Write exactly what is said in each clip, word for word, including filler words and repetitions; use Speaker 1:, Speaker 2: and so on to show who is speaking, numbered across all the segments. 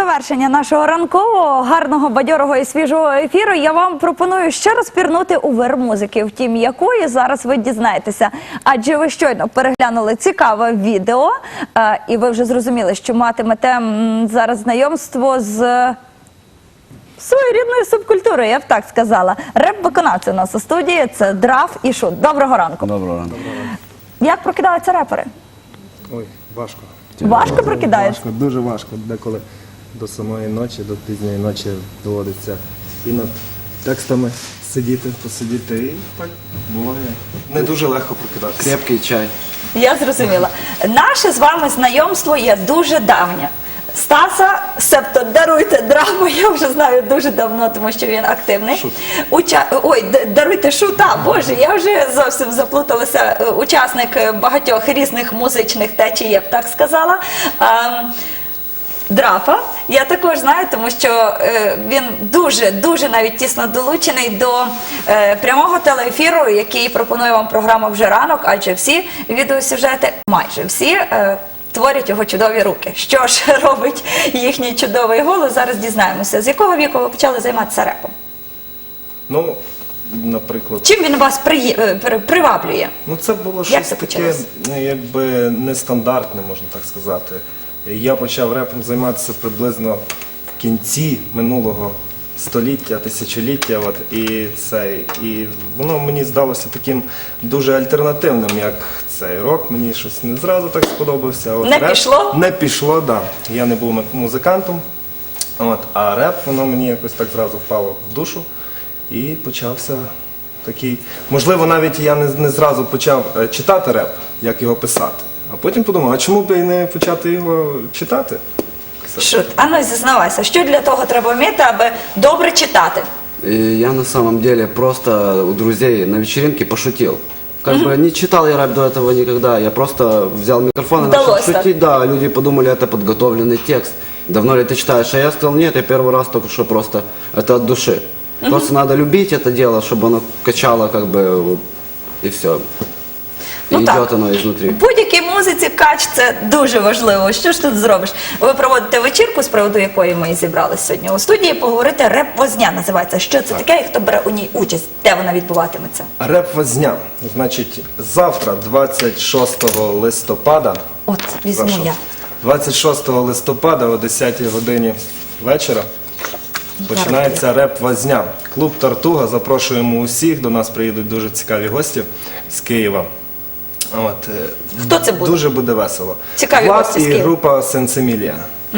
Speaker 1: завершення нашого ранкового, гарного, бадьорого і свіжого ефіру я вам пропоную ще раз пірнути у вир музики, втім якої зараз ви дізнаєтеся. Адже ви щойно переглянули цікаве відео, і ви вже зрозуміли, що матимете зараз знайомство з своєрідною субкультурою, я б так сказала. Реп-виконавці у нас у студії – це Драф і Шут. Доброго ранку.
Speaker 2: Доброго ранку.
Speaker 1: Як прокидаються репери?
Speaker 3: Ой, важко.
Speaker 1: Важко прокидаєш?
Speaker 3: Важко, дуже важко. Деколи до самої ночі, до пізньої ночі доводиться і над текстами сидіти, посидіти. І так буває. Не дуже легко прокидатися.
Speaker 2: Крепкий чай.
Speaker 1: Я зрозуміла. Наше з вами знайомство є дуже давнє. Стаса, себто даруйте Драфа, я вже знаю дуже давно, тому що він активний.
Speaker 3: Шут.
Speaker 1: Уча... Ой, даруйте Шута, боже, я вже зовсім заплуталася. Учасник багатьох різних музичних течій, я б так сказала. Ем... Драфа я також знаю, тому що е, він дуже-дуже навіть тісно долучений до е, прямого телеефіру, який пропонує вам програма «Вже ранок», адже всі відеосюжети, майже всі, е, творять його чудові руки. Що ж робить їхній чудовий голос, зараз дізнаємося. З якого віку ви почали займатися репом?
Speaker 3: Ну, наприклад...
Speaker 1: Чим він вас при... при... приваблює?
Speaker 3: Ну, це було
Speaker 1: Як
Speaker 3: щось
Speaker 1: це
Speaker 3: таке,
Speaker 1: почалося?
Speaker 3: якби нестандартне, можна так сказати. Я почав репом займатися приблизно в кінці минулого століття, тисячоліття, от, і, це, і воно мені здалося таким дуже альтернативним, як цей рок. Мені щось не зразу так сподобався. От
Speaker 1: Не
Speaker 3: реп,
Speaker 1: пішло?
Speaker 3: Не пішло, так. Да. Я не був музикантом, от, а реп, воно мені якось так зразу впало в душу і почався такий... Можливо, навіть я не, не зразу почав читати реп, як його писати. А потім подумав, а чому б і не почати його читати?
Speaker 1: Шут, а ну зізнавайся, що для того треба вміти, аби добре читати?
Speaker 2: И я на самом деле просто у друзей на вечеринке пошутил. Как бы не читал я рэп до этого никогда, я просто взял микрофон и начал
Speaker 1: Удалось так.
Speaker 2: шутить. Да, люди подумали, это подготовленный текст. Давно ли ты читаешь? А я сказал, нет, я первый раз только что просто, это от души. Просто надо любить это дело, чтобы оно качало, как бы, вот, и все. И
Speaker 1: Ну
Speaker 2: идет
Speaker 1: так.
Speaker 2: оно изнутри.
Speaker 1: В будь-якій музиці кач – це дуже важливо. Що ж тут зробиш? Ви проводите вечірку, з приводу якої ми і зібралися сьогодні у студії, поговорити «Реп-возня» називається. Що це таке і хто бере у ній участь? Де вона відбуватиметься?
Speaker 3: Реп-возня. Значить, завтра, двадцять шостого листопада,
Speaker 1: От, візьму
Speaker 3: прошу,
Speaker 1: я.
Speaker 3: двадцять шостого листопада о десятій годині вечора починається реп-возня. Клуб «Тартуга», запрошуємо усіх, до нас приїдуть дуже цікаві гості з Києва. От, е,
Speaker 1: Хто це буде?
Speaker 3: Дуже буде весело.
Speaker 1: Цікаві
Speaker 3: Влад
Speaker 1: гості з
Speaker 3: і
Speaker 1: Києва.
Speaker 3: група «Сенсемілія».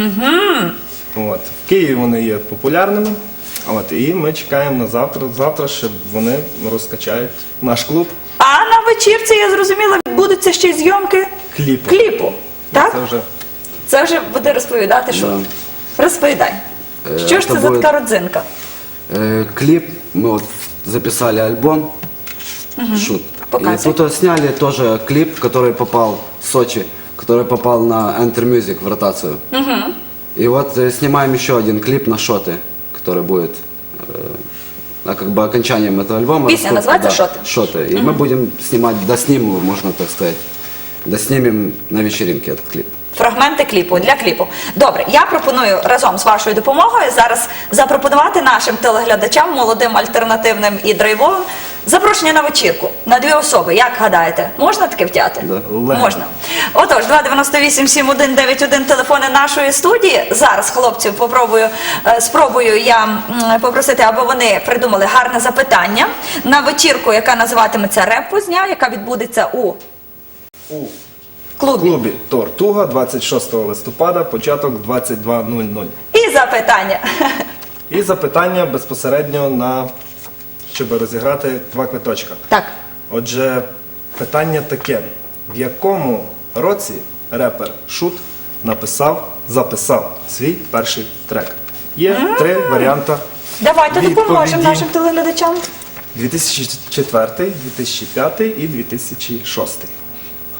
Speaker 3: Угу. От. В Києві вони є популярними. От, і ми чекаємо на завтра, завтра, щоб вони розкачають наш клуб.
Speaker 1: А на вечірці, я зрозуміла, відбудуться ще й зйомки
Speaker 3: Кліпу.
Speaker 1: кліпу. Так?
Speaker 3: Це вже
Speaker 1: Це вже буде розповідати, що?
Speaker 2: Да.
Speaker 1: Розповідай.
Speaker 2: Е,
Speaker 1: Що ж
Speaker 2: це
Speaker 1: це за
Speaker 2: буде-
Speaker 1: така родзинка?
Speaker 2: Э, клип, мы вот записали альбом «Шут». И
Speaker 1: Показывай.
Speaker 2: тут вот сняли тоже клип, который попал в Сочи, который попал на Enter Music в ротацию. И вот э, снимаем еще один клип на «Шоты», который будет э, а, как бы окончанием этого альбома.
Speaker 1: Песня
Speaker 2: Насколько-
Speaker 1: называется
Speaker 2: да,
Speaker 1: «Шоты».
Speaker 2: «Шоты». И мы будем снимать, доснимем, можно так сказать, доснимем на вечеринке этот клип.
Speaker 1: Фрагменти кліпу, для кліпу. Добре, я пропоную разом з вашою допомогою зараз запропонувати нашим телеглядачам, молодим, альтернативним і драйвовим, запрошення на вечірку на дві особи. Як гадаєте, можна таке втягти?
Speaker 2: Да.
Speaker 3: Легко.
Speaker 1: Можна. Отож, два дев'яносто вісім сім один дев'ять один телефони нашої студії. Зараз, хлопців, попробую, е, спробую я м, попросити, аби вони придумали гарне запитання на вечірку, яка називатиметься «Реп-возня», яка відбудеться у
Speaker 3: у
Speaker 1: клубі.
Speaker 3: клубі «Тартуга» двадцять шостого листопада, початок двадцять два нуль нуль.
Speaker 1: І запитання.
Speaker 3: І запитання безпосередньо на, щоб розіграти два квиточка.
Speaker 1: Так.
Speaker 3: Отже, питання таке. В якому році репер Шут написав, записав свій перший трек? Є три варіанти
Speaker 1: Давайте допоможемо
Speaker 3: відповіді.
Speaker 1: нашим телеглядачам.
Speaker 3: дві тисячі четвертий, дві тисячі п'ятий і дві тисячі шостий.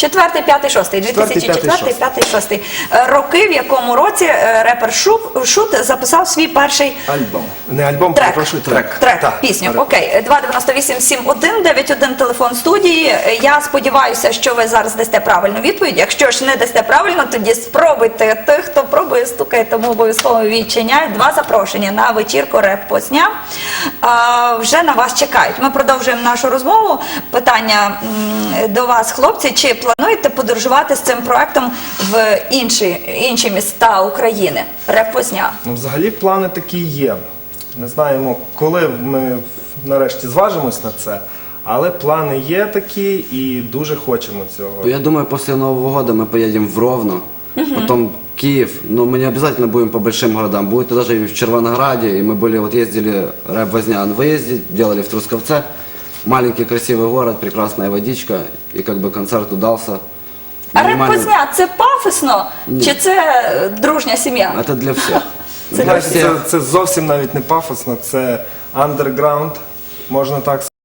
Speaker 1: Четвертий, п'ятий, шостий. дві
Speaker 3: Четвертий,
Speaker 1: тисячі
Speaker 3: п'ятий,
Speaker 1: четвертий,
Speaker 3: шостий.
Speaker 1: п'ятий, шостий. Е, Роки, в якому році е, репер Шут, Шут записав свій перший
Speaker 3: Альбом. Не альбом,
Speaker 1: трек.
Speaker 3: перепрошую, трек.
Speaker 1: Трек,
Speaker 3: Так,
Speaker 1: пісню.
Speaker 3: трек.
Speaker 1: Окей. два дев'яносто вісім сім один дев'ять один телефон студії. Я сподіваюся, що ви зараз дасте правильну відповідь. Якщо ж не дасте правильно, тоді спробуйте. Тих, хто пробує, стукає, тому обов'язково відчиняють. Два запрошення на вечірку реп-посня. А, вже на вас чекають. Ми продовжуємо нашу розмову. Питання м, до вас, хлопці. Чи плануєте подорожувати з цим проектом в інші, інші міста України? Реп-посня.
Speaker 3: Ну, взагалі плани такі є. Не знаємо, коли ми нарешті зважимось на це, але плани є такі і дуже хочемо цього.
Speaker 2: Я думаю, после Нового года мы поедем в Ровно, потом Киев, но мы не обязательно будем по большим городам, будет даже и в Червонограде, и мы были, вот ездили, рэп-возня на выезде, делали в Трусковце, маленький красивый город, прекрасная водичка, и как бы концерт удался.
Speaker 1: А
Speaker 2: Минимально-
Speaker 1: реп-посня – це пафосно? Чи це е, дружня сім'я?
Speaker 2: Это для всех.
Speaker 1: Це
Speaker 2: Для
Speaker 3: Знаєте,
Speaker 2: всех.
Speaker 3: це, це зовсім навіть не пафосно, це андерграунд, можна так